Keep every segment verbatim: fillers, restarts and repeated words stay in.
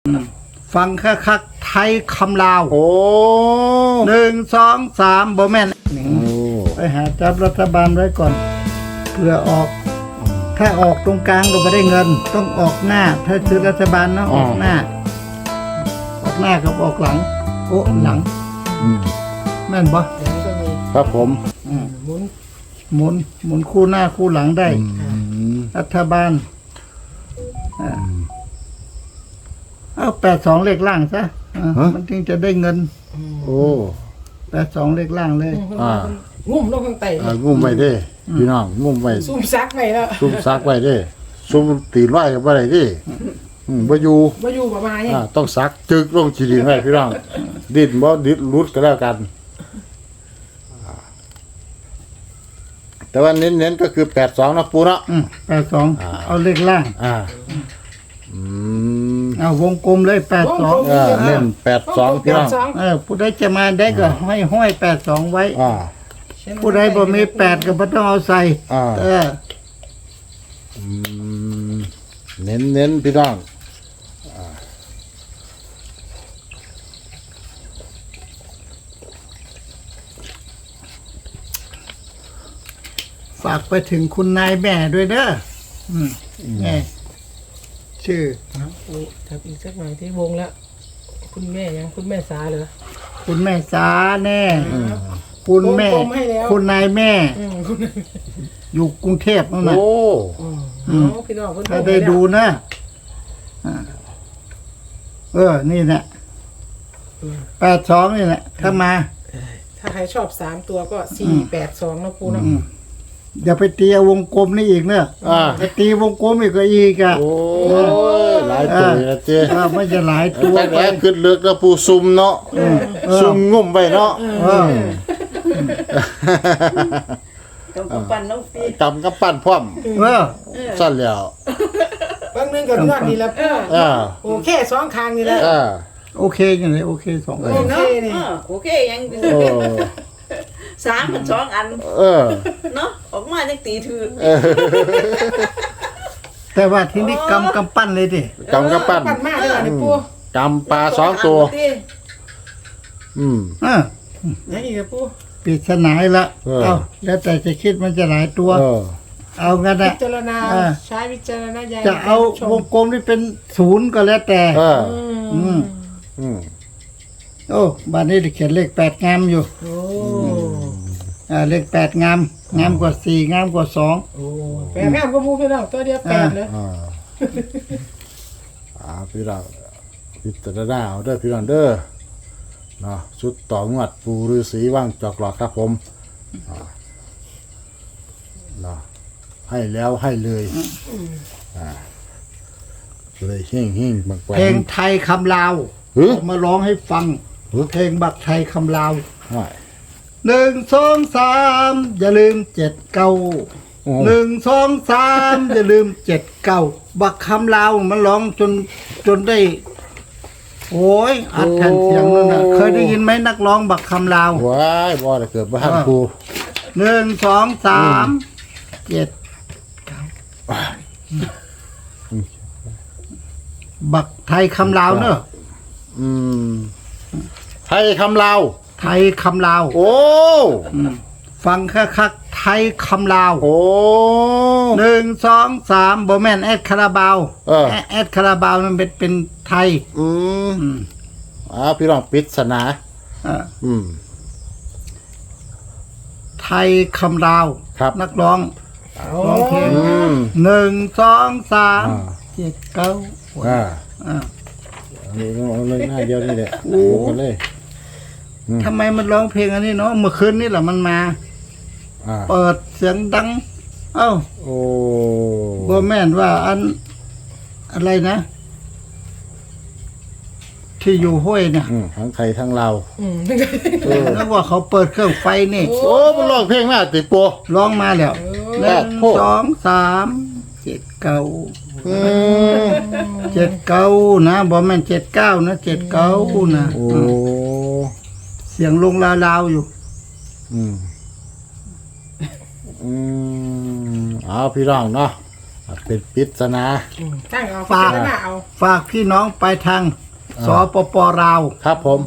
ฟังคักคักไทยคำลาวโอ้หนึ่งสองสามบ่แม่นโอ้ไปหาจับรัฐบาลไว้ก่อนเพื่อออก ถ้าออกตรงกลางก็ไม่ได้เงิน ต้องออกหน้า ถ้าซื้อรัฐบาลนะออกหน้า ออกหน้ากับออกหลัง โอ้หลังอืมแม่นบ่อย่างนี้ก็มีครับผมอืมหมุนหมุนหมุนคู่หน้าคู่หลังได้อืมรัฐบาลอ่าเอาแปดสองเลขล่างซะอ่ามันถึงจะได้เงินโอ้แปดสองเลขล่างเลยอ่างุ่มลงข้างใต้อ่างุ่มไว้เด้พี่น้องงุ่มไว้ซุ่มซักไปแล้วซุ่มซักไว้เด้ซุ่มตีนไว้กับอะไรดิอืมบ่อยู่มาอยู่ประมาณนี้อ่าต้องซักจึกลงจีดินไว้พี่น้องดิ้นบ่ดิ้นรุดก็แล้วกันอ่าแต่ว่าเน้นๆก็คือแปดสองนะปูเนาะอืมแปดสองอ่าเอาเลขล่างอ่าอืมเอาวงกลมเลยแปดสองเออเน้นแปดสองพี่น้องสองเออผู้ใดจะมาได้ก็ห้อยห้อยแปดสองไว้อ่าผู้ใดบ่มีแปดก็บ่ต้องเอาใส่อ่าเอออืมเน้นเน้นๆพี่น้องฝากไปถึงคุณนายแม่ด้วยเด้ออืมแม่ชื่อเอาอุ๊ยทับอีกสักหน่อยที่วงแล้ว คุณแม่ยังคุณแม่สาเหรอคุณแม่สาแน่ คุณแม่วงกลมให้แล้วคุณนายแม่อืมคุณอยู่กรุงเทพนั่นน่ะโอ้อืมเอาพี่น้องคุณถ้าได้ดูนะอ่าเออ นี่แหละแปดสองนี่แหละ ถ้ามาถ้าใครชอบสามตัวก็สี่แปดสองนะปูเนาะอืมอย่าไปตีเอาวงกลมนี่อีกเนอะอ่าไปตีวงกลมอีกก็อีกอ่ะโอ้ยหลายตัวนะเจ้เออมันจะหลายตัวแต่ไปแรกขึ้นเลือกแล้วปูซุ่มเนาะเออซุ่มงุ่มไปเนาะเออต้องกำปั้นน้องปีกำกับปั้นพร้อมเออสั้นแล้วบางนึงกับนวดนี่แหละปูอ่าโอเคสองคางนี่แหละอ่าโอเคอย่างไรโอเคสองโอเคนี่เออโอเคยังโอ้สามมันสองอันเออเนาะออกมาจังตีถือเออแต่ว่าที่นี่กำกำปั้นเลยดิกำกับปั้นปั้นมากเลยนี่ปูกำปลาสองตัว อืมเออยังอีกอะปูปริศนาอีกละเออเอาแล้วแต่จะคิดมันจะหลายตัวเออเอางั้นพินะจารณาเออใช้วิจารณญาณจะเอาในกรชมวงกลมที่เป็นศูนย์ก็แล้วแต่เอออืมอืมโอ้บ้านนี้เขียนเลขแปดงามอยู่โอ้อ่าเลขแปดงาม งามกว่าสี่งามกว่าสองโอ้แปดแม่ก็มูพี่น้องตัวเดียวแปดเลยอ่าอ่าพี่น้องพิจารณาเอาเด้อพี่น้องเด้อเนาะชุดต่องวดปูฤาษีว่างจอกหลอกครับผมอ่าเนาะให้แล้วให้เลยอ่าเลยเฮ่งเฮ่งบางแปเพลงไทยคำลาวเฮ้ยเอามาร้องให้ฟัง เพลงบักไทยคำลาวไม่หนึ่งสองสามอย่าลืมเจ็ดเก้าโอ้หนึ่งสองสามอย่าลืมเจ็ดเก้าบักคำลาวมันร้องจนจนได้ โอ้ยอัดแผ่นเสียงนั่นนะเคยได้ยินไหมนักร้องบักคำลาวว้ายบ่ได้เกิดบ้านปูหนึ่งสองสามเจ็ดบักไทยคำลาวเนอะอืมไทยคำลาวไทยคำลาวโอ้อืมฟังคักคักๆไทยคำลาวโอ้หนึ่งสองสามโบแมนแอดคาราบาวเออแอดแอดคาราบาวมันเป็นเป็นไทยอืมอืมอ่าพี่น้องปริศนาอ่าอืมไทยคำลาวครับนักร้องโอ้ร้องเพลงอืมหนึ่งสองสามอ่าเจ็ดเก้าอ่าอ่าเอาเลยเอาเลยหน้าเดียวนี่แหละโอ้โอ้กันเลยทำไมมันร้องเพลงอันนี้เนาะเมื่อคืนนี่แหละมันมาอ่าเปิดเสียงดัง เอ้าโอ้โบแมนว่าอันอะไรนะ ที่อยู่ห้วยเนี่ยอืมทั้งไทยทั้งลาวอืมเออแล้วว่าเขาเปิดเครื่องไฟนี่โอ้มันร้องเพลงมาติโปร้องมาแล้วหแปนึ่ดงโพดสองสามเจ็ดเก้าอืมเจ็ดเก้านะบอแม่นเจ็ดเก้านะเจ็ดเก้านะโอ้อืมเสียงลงลาวๆอยู่อืมอืมเอาพี่น้องเนาะอ่าเป็นปริศนาอืมตั้งเอาฝากพิจารณาเอาฝากพี่น้องไปทางสปปลาวครับผม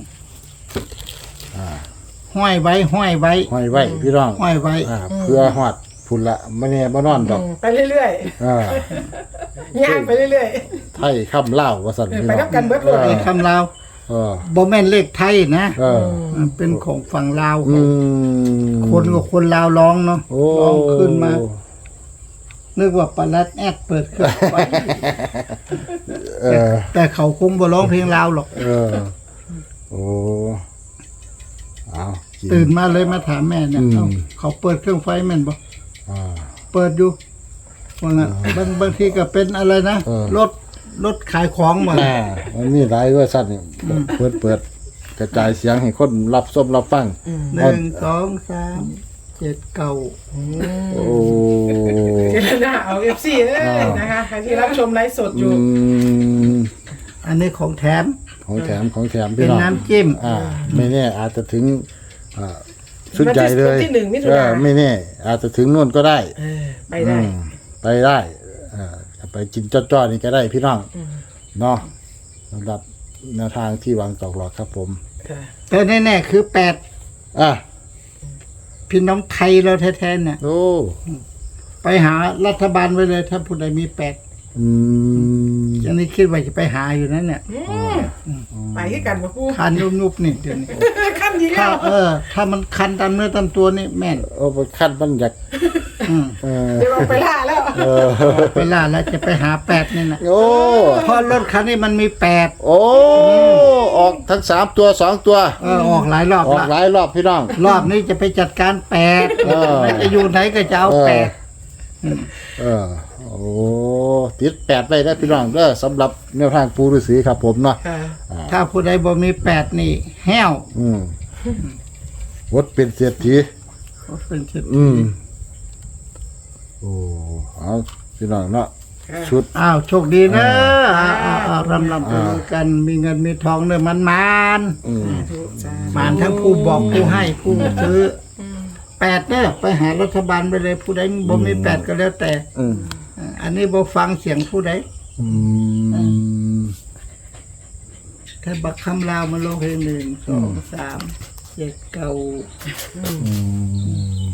ห้อยไว้ห้อยไว้ห้อยไว้พี่น้องห้อยไว้อ่าเพื่อหอดพุ่นละไม่แน่บ่นอนดอกอืมไปเรื่อยอ่าๆย่างไปเรื่อยไทยคำเล่าว่าสั่นเออพี่ไปน้องนับกันเบิดเลยไอ้คำลาวเออบ่แม่นเลขไทยนะเออมันเป็นของฝั่งลาวอืมคนกับคนลาวร้องเนาะโอ้ร้องขึ้นมา นึกว่าปลาลัดแอดเปิดเครื่องไว้เออแต่เขาคงบ่ร้องเพลงลาวหรอกเออโอ้เอากิตื่นมาเลยมาถามแม่เนี่ยอืมเอ้าเขาเปิดเครื่องไฟแม่นบ่อ่าเปิดอยู่ว่างั้นบางบางทีก็เป็นอะไรนะเออรถรถขายของมาอ่ามันมีหลายเวอร์ชันนี่เปิดเปิดกระจายเสียงให้คนรับชมรับฟังหนึ่งสองสามเจ็ดเก้าโอ้พิจารณาเอา เอฟ ซี เอ้ยนะคะใครที่รับชมไลฟ์สดอยู่อืมอันนี้ของแถมของแถมของแถมเป็พี่นน้องน้ำจิ้มอ่า ไม่แน่อาจจะถึงอ่าชุดใหญ่เลยวันที่หนึ่งมิถุนาเออไม่แน่อาจจะถึงนู่นก็ได้เออไปได้อืมไปได้อ่าไปกินจ้อๆนี่ก็ได้พี่น้องเนาะสำหรับแนวทางที่วางตอกหลอกครับผมค่ะแต่แน่ๆคือแปดอ่ะพี่น้องไทยเราแท้ๆเนี่ยโอ้ไปหารัฐบาลไว้เลย ถ้าผู้ใดมีแปดอืมอันนี้คิดว่าจะไปหาอยู่นั่นเนี่ยอืมไปที่กันมาปูคันยุบๆนี่เดี๋ยวนี้ขั้นนี้ถ้าแล้วเออ ถ้ามันคันตามเนื้อตามตัวนี่แม่นโอ้ขั้นมันอยากอืมเออเดี๋ยวเราไปล่าแล้วเออไปล่าแล้วจะไปหาแปดนี่นะโอ้เพราะรถคันนี้มันมีแปดโอ้ออกทั้งสามตัวสองตัวเออออกหลายรอบออกละหลายรอบพี่น้องรอบนี้จะไปจัดการแปดเออไม่จะอยู่ไหนก็จะเอาแปดเออโอ้ติดแปดไปได้พี่น้องเด้อสำหรับแนวทางปูฤาษีครับผมเนาะค่ะถ้าผู้ใดบ่มีแปดนี่ แห้วอืมวดเป็นเศรษฐีเป็นชิดอืมโอ้เอาพี่น้องเนาะชุดอ้าวโชคดีนะอ้าวอ้าวอ้าวรำลำไปด้วยกันมีเงินมีทองเนื้อมันมานอืมมานทั้งผู้บอกผู้ให้ผู้ซื้ออแปดเนี่ยไปหารัฐบาลไปเลย ผู้ใดบ่มีแปดก็แล้วแต่อืมอ่าอันนี้บ่ฟังเสียงผู้ใดอืมถ้าบักคำลาวมาลงเพลงหนึ่งสองสามเจ็ดเก้าอืม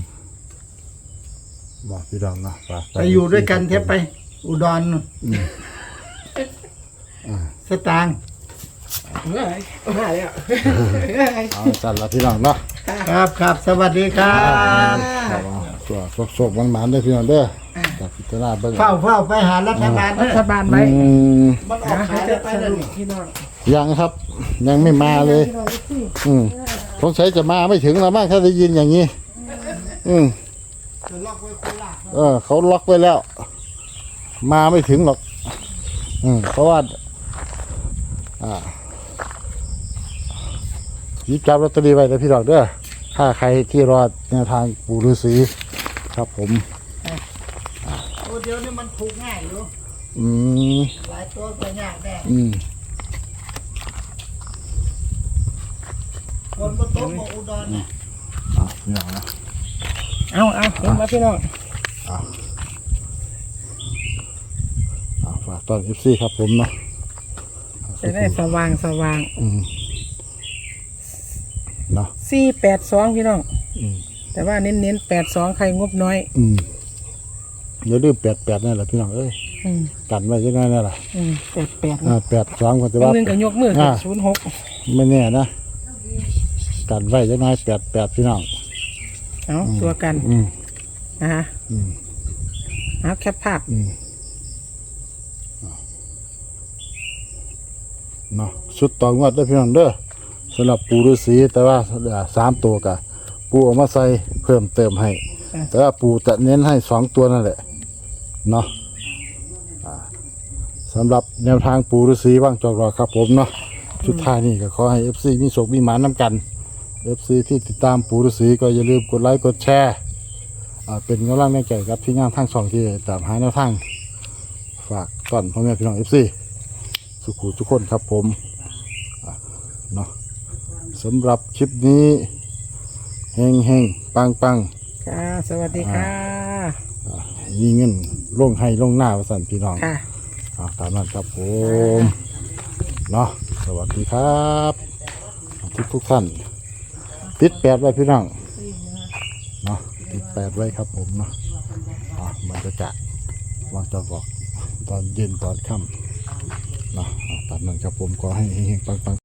บอกพี่น้องเนาะฝากไปอยู่ด้วยกันเทปไป อุดรนู่นสตางค์เมื่อไหร่มาแล้วเมื่อไหร่เอาสั่นละพี่น้องเนาะครับครับสวัสดีครับตัวโชคๆมันๆได้อพี่น้องเด้อจากพิจารณาเบิ่งเฝ้าเฝ้าไปหารัฐบาลรันะฐบาลไว้อืมมันออกนะขายจะได้ไปสแล้วรุปนี่พี่น้องยังครับ ยังไม่มาเลย อืมสงสัยจะมาไม่ถึงแล้วมั้งถ้าได้ยินอย่างนี้ อืมเออ เขาล็อกไว้แล้ว มาไม่ถึงหรอก อืมเพราะว่า อ่าหยิบจับลอตเตอรี่ไว้เลยพี่ดอกเด้อถ้าใครที่รอแนวทางปู่ฤาษีครับผมโอ้เดี๋ยวนี้มันถูกง่ายอยู่อืมหลายตัวก็ยากแน่อืมคนบนโต๊ะของอุดรเนี่ยอ่ะพี่น้องนะเอาเอาลงมาพี่น้องอ่าฝากตอนเอฟซีครับผมเนาะจะได้สว่างสว่างอืมเนาะสี่แปดสองพี่น้องอืมแต่ว่าเน้นเน้นแปดสองใครงบน้อยอืมอย่าลืมแปดแปดนั่นแหละพี่น้องเอ้ยอืมกันไว้ยังไงนั่นแหละอืมแปดแปดอ่าแปดสองคนจะบางว่านึงก็ยกมืออ่าศูนย์หกไม่แน่นะกันไว้ยังไงแปดแปดพี่น้องเอาตัวกันอืมนะฮะอืมเอาแคปภาพอืมเนาะชุดต่องวดได้อพี่น้องเด้อสำหรับปูฤาษีแต่ว่าอ่าสามตัวกะปูเอามาใส่เพิ่มเติมให้ แต่ว่าปูจะเน้นให้สองตัวนั่นแหละเนาะอ่าสำหรับแนวทางปูฤาษีว่างจอกรอครับผมเนาะสุดท้ายนี่ก็ขอให้เอฟซีมีโชคมีหมานน้ำกันเอฟซีที่ติดตามปูฤาษีก็อย่าลืมกดไลค์กดแชร์อ่าเป็นกำลังใจกับที่งานทางสองที่ตามหาแนวทางฝากก่อนพ่อแม่พี่น้องเอฟซีสุขุทุกคนครับผมอ่ะเนาะสำหรับคลิปนี้เฮงเฮงปังปังค่ะ สวัสดีค่ะมีเงินลงให้ลงหน้าว่าสั่นพี่น้องค่ะอ่าตามนั้นครับผมเนาะสวัสดีครับทุกทุกๆท่านติดแปดไว้พี่น้องเนาะติดแปดไว้ครับผมเนาะอ่ามันจะจะวางจะบอกตอนเย็นตอนค่ำเนาะอ่าตามนั้นครับผมขอให้เฮงๆปังๆ